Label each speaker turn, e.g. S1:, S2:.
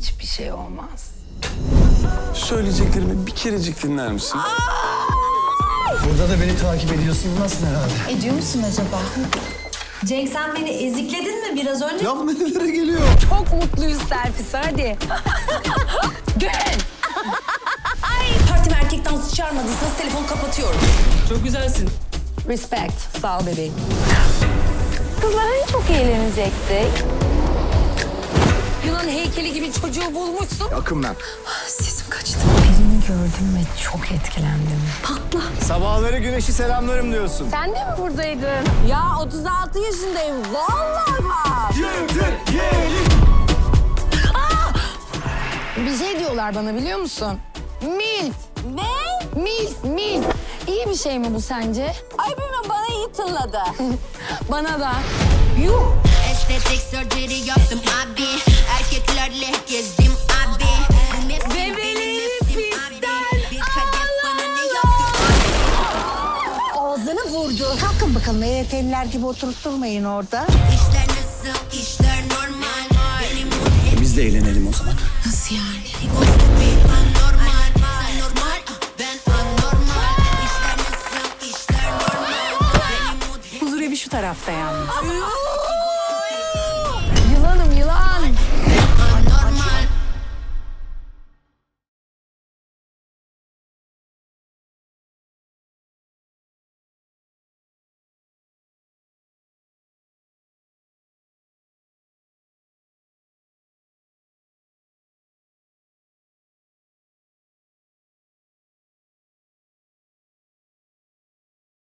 S1: hiçbir şey olmaz.
S2: Söyleyeceklerimi bir kerecik dinler misin?
S3: Burada da beni takip ediyorsun. Nasıl herhalde?
S4: Ediyor musun acaba? Cenk sen beni ezikledin mi biraz önce?
S3: Laf nerelere geliyor?
S1: Çok mutluyuz Serpis, hadi. Gel.
S4: Partime erkek dansı çağırmadıysanız telefonu kapatıyorum.
S5: Çok güzelsin.
S1: Respect. Sağ ol bebeğim. Kızlar hani çok eğlenecektik. Yunan heykeli gibi çocuğu bulmuşsun.
S3: Akımdan.
S1: Sesim kaçtı. Birini gördüm ve çok etkilendim.
S3: Sabahları güneşi selamlarım diyorsun.
S1: Sen de mi buradaydın? Ya 36 yaşındayım. Vallahi bak. Bir şey diyorlar bana biliyor musun? Milf. Ne? Milf. İyi bir şey mi bu sence? Ay bilmem bana iyi tınladı. Bana da. Yuh.
S6: Estetik surgery yaptım abi. Erkeklerle gezdim abi.
S1: Bebeğim pistten
S6: Bir kadeh bana ne yaptı?
S4: Ağzını vurdu.
S7: Kalkın bakalım EYT'liler gibi oturup durmayın orada.
S6: İşler nasıl? İşler normal. Benim mood
S3: Biz de eğlenelim o zaman.
S1: Nasıl yani?
S6: bir anormal. Sen normal, ben anormal. İşler nasıl? İşler normal. Benim mood
S1: Huzur evi şu tarafta yalnız.